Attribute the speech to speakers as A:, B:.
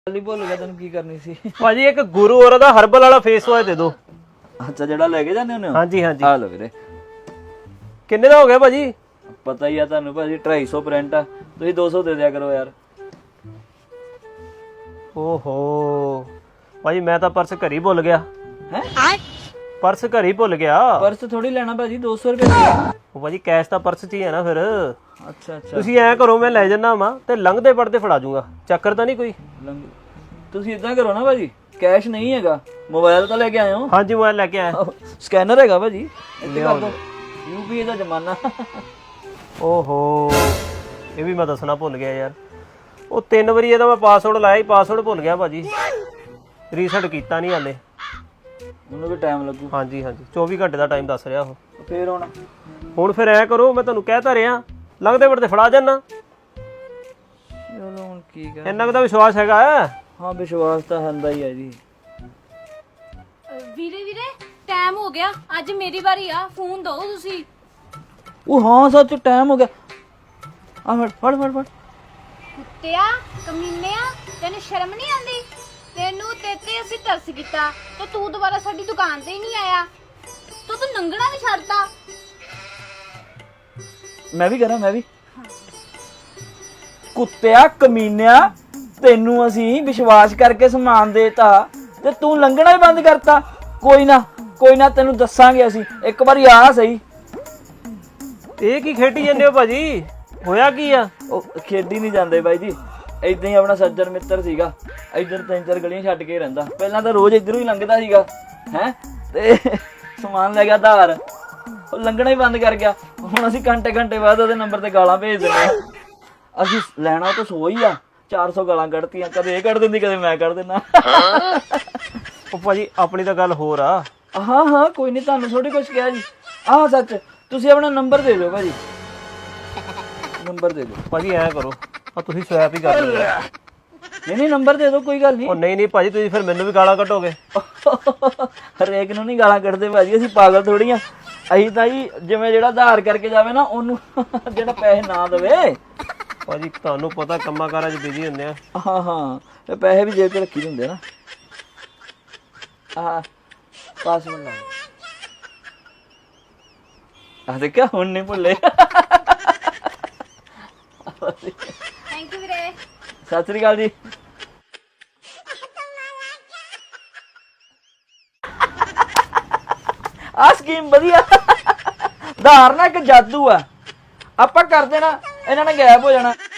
A: नहीं भुल गया तेन की करनी सी
B: भाजी एक गुरु और दा हर्बल वाला फेस वॉश दे दो।
A: अच्छा जेड़ा लेके जाने होने
B: हाँ जी हाँ जी।
A: आ लो वीरे
B: किन्ने दा हो गया भाजी?
A: पता ही है तुहानू भाजी 250 प्रिंट आ तुसीं 200 दे दिया करो यार।
B: ओहो भाजी मैं तो पर्स घर ही भुल गया।
A: हैं
B: पर्स घर ही भुल गया।
A: पर्स थोड़ी लेना भाजी 200 रुपए
B: ਉਹ ਭਾਜੀ ਕੈਸ਼ ਤਾਂ ਪਰਸ 'ਚ ਹੀ ਹੈ ਨਾ ਫਿਰ।
A: अच्छा अच्छा
B: ਤੁਸੀਂ ਐਂ ਕਰੋ ਮੈਂ ਲੈ ਜੰਨਾ ਵਾ ਤੇ ਲੰਘਦੇ ਪੜਦੇ ਫੜਾ ਜੂਗਾ, ਚੱਕਰ ਤਾਂ ਨਹੀਂ ਕੋਈ?
A: ਤੁਸੀਂ ਇਦਾਂ ਕਰੋ ਨਾ ਭਾਜੀ ਕੈਸ਼ ਨਹੀਂ ਹੈਗਾ ਮੋਬਾਈਲ ਤਾਂ ਲੈ ਕੇ ਆਏ ਹੋ?
B: ਹਾਂਜੀ ਮੋਬਾਈਲ ਲੈ ਕੇ ਆਇਆ।
A: ਸਕੈਨਰ ਹੈਗਾ ਭਾਜੀ ਇੱਥੇ ਕਰ ਦੋ ਯੂਪੀਆਈ ਦਾ ਜ਼ਮਾਨਾ।
B: ਓਹੋ ਇਹ ਵੀ ਮੈਂ ਦੱਸਣਾ ਭੁੱਲ ਗਿਆ ਯਾਰ। ਉਹ 3 ਵਾਰੀ ਇਹਦਾ ਮੈਂ ਪਾਸਵਰਡ ਲਾਇਆ ਹੀ, ਪਾਸਵਰਡ ਭੁੱਲ ਗਿਆ ਭਾਜੀ। ਰੀਸੈਟ ਕੀਤਾ ਨਹੀਂ ਹਾਲੇ।
A: ਉਹਨੂੰ ਵੀ ਟਾਈਮ ਲੱਗੂ।
B: ਹਾਂਜੀ ਹਾਂਜੀ 24 ਘੰਟੇ ਦਾ ਟਾਈਮ ਦੱਸ ਰਿਹਾ ਉਹ।
A: ਫੇਰ
B: ਹੁਣ ਫਿਰ ਐ ਕਰੋ ਮੈਂ ਤੁਹਾਨੂੰ ਕਹਿ ਤਾਂ ਰਿਹਾ ਲੰਘਦੇ ਪੜਦੇ ਫੜਾ ਜਾਨਾ।
A: ਚਲੋ ਹੁਣ ਕੀ ਕਰ
B: ਇੰਨਾ ਕੁ ਤਾਂ ਵਿਸ਼ਵਾਸ ਹੈਗਾ।
A: ਹਾਂ ਵਿਸ਼ਵਾਸ ਤਾਂ ਹੁੰਦਾ ਹੀ ਹੈ ਜੀ।
C: ਵੀਰੇ ਵੀਰੇ ਟਾਈਮ ਹੋ ਗਿਆ, ਅੱਜ ਮੇਰੀ ਵਾਰੀ ਆ, ਫੋਨ ਦਿਓ ਤੁਸੀਂ।
A: ਉਹ ਹਾਂ ਸੱਚ ਟਾਈਮ ਹੋ ਗਿਆ। ਆ ਫੜ ਫੜ ਫੜ ਫੜ
C: ਕੁੱਤਿਆ ਕਮੀਨਿਆ ਤੈਨੂੰ ਸ਼ਰਮ ਨਹੀਂ ਆਉਂਦੀ? ਤੈਨੂੰ ਤੇ ਅਸੀਂ ਤਰਸ ਕੀਤਾ ਤੇ ਤੂੰ ਦੁਬਾਰਾ ਸਾਡੀ ਦੁਕਾਨ ਤੇ ਹੀ ਨਹੀਂ ਆਇਆ। ਤੂੰ ਨੰਗਣਾ ਵੀ ਛੱਡਤਾ।
A: ਮੈਂ ਵੀ ਕਰਾਂ ਮੈਂ ਵੀ। ਕੁੱਤਿਆ ਕਮੀਨਿਆ ਤੈਨੂੰ ਅਸੀਂ ਵਿਸ਼ਵਾਸ ਕਰਕੇ ਸਮਾਨ ਦੇਤਾ ਤੇ ਤੂੰ ਲੰਘਣਾ ਹੀ ਬੰਦ ਕਰਤਾ। ਕੋਈ ਨਾ ਤੈਨੂੰ ਦੱਸਾਂਗੇ ਅਸੀਂ, ਇੱਕ ਵਾਰੀ ਆ ਸਹੀ।
B: ਇਹ ਕੀ ਖੇਡੀ ਜਾਂਦੇ ਹੋ ਭਾਜੀ? ਹੋਇਆ ਕੀ ਆ?
A: ਉਹ ਖੇਡੀ ਨਹੀਂ ਜਾਂਦੇ ਬਾਈ ਜੀ, ਏਦਾਂ ਹੀ ਆਪਣਾ ਸੱਜਣ ਮਿੱਤਰ ਸੀਗਾ, ਇੱਧਰ 3-4 ਗਲੀਆਂ ਛੱਡ ਕੇ ਰਹਿੰਦਾ। ਪਹਿਲਾਂ ਤਾਂ ਰੋਜ਼ ਇੱਧਰੋਂ ਹੀ ਲੰਘਦਾ ਸੀਗਾ ਹੈ ਤੇ ਸਮਾਨ ਲੈ ਗਿਆ ਧਾਰ, ਉਹ ਲੰਘਣਾ ਹੀ ਬੰਦ ਕਰ ਗਿਆ। ਹੁਣ ਅਸੀਂ ਘੰਟੇ ਬਾਅਦ ਉਹਦੇ ਨੰਬਰ ਤੇ ਗਾਲਾਂ ਭੇਜ ਦਿੰਦੇ ਆ। ਅਸੀਂ ਲੈਣਾ ਤਾਂ ਸੋ ਹੀ ਆ, 400 ਗਾਲਾਂ ਕੱਢਤੀਆਂ, ਕਦੇ ਇਹ ਕੱਢ ਦਿੰਦੀ ਕਦੇ ਮੈਂ ਕੱਢ ਦਿੰਦਾ।
B: ਉਹ ਭਾਜੀ ਆਪਣੀ ਤਾਂ ਗੱਲ ਹੋਰ ਆ।
A: ਹਾਂ ਕੋਈ ਨਹੀਂ, ਤੁਹਾਨੂੰ ਥੋੜੀ ਕੁਛ ਕਿਹਾ ਜੀ। ਆਹ ਸੱਚ ਤੁਸੀਂ ਆਪਣਾ ਨੰਬਰ ਦੇ ਦਿਓ ਭਾਜੀ, ਨੰਬਰ ਦੇ ਦਿਓ
B: ਭਾਜੀ ਐਂ ਕਰੋ ਆ ਤੁਸੀਂ ਸਵੈਪ ਹੀ ਕਰ ਲਓ।
A: ਨਹੀਂ ਨੰਬਰ ਦੇ ਦਿਓ ਕੋਈ ਗੱਲ ਨਹੀਂ।
B: ਉਹ ਨਹੀਂ ਭਾਜੀ ਤੁਸੀਂ ਫਿਰ ਮੈਨੂੰ ਵੀ ਗਾਲਾਂ ਕੱਢੋਗੇ।
A: ਹਰੇਕ ਨੂੰ ਨਹੀਂ ਗਾਲਾਂ ਕੱਢਦੇ ਭਾਜੀ, ਅਸੀਂ ਪਾਗਲ ਥੋੜੀ ਆ। ਅਸੀਂ ਤਾਂ ਜੀ ਜਿਵੇਂ ਜਿਹੜਾ ਆਧਾਰ ਕਰਕੇ ਜਾਵੇ ਨਾ ਉਹਨੂੰ ਜਿਹੜਾ ਪੈਸੇ ਨਾ ਦੇਵੇ।
B: ਭਾਜੀ ਤੁਹਾਨੂੰ ਪਤਾ ਕੰਮਾਂ ਕਾਰਾਂ 'ਚ ਬਿਜ਼ੀ ਹੁੰਦੇ ਆ।
A: ਹਾਂ ਇਹ ਪੈਸੇ ਵੀ ਜੇਬ 'ਚ ਰੱਖੀ ਹੁੰਦੇ ਨਾ। ਆਹ ਪਾਸਵਰਡ ਲਾ ਆ, ਦੇਖਿਆ ਹੁਣ ਨਹੀਂ ਭੁੱਲੇ।
C: ਥੈਂਕ ਯੂ ਵੀਰੇ।
A: ਸਤਿ ਸ੍ਰੀ ਅਕਾਲ ਜੀ। ਆ ਸਕੀਮ ਵਧੀਆ। ਧਾਰ ਨਾ ਇੱਕ ਜਾਦੂ ਆ, ਆਪਾਂ ਕਰ ਦੇਣਾ ਇਹਨਾਂ ਨੇ ਗਾਇਬ ਹੋ ਜਾਣਾ।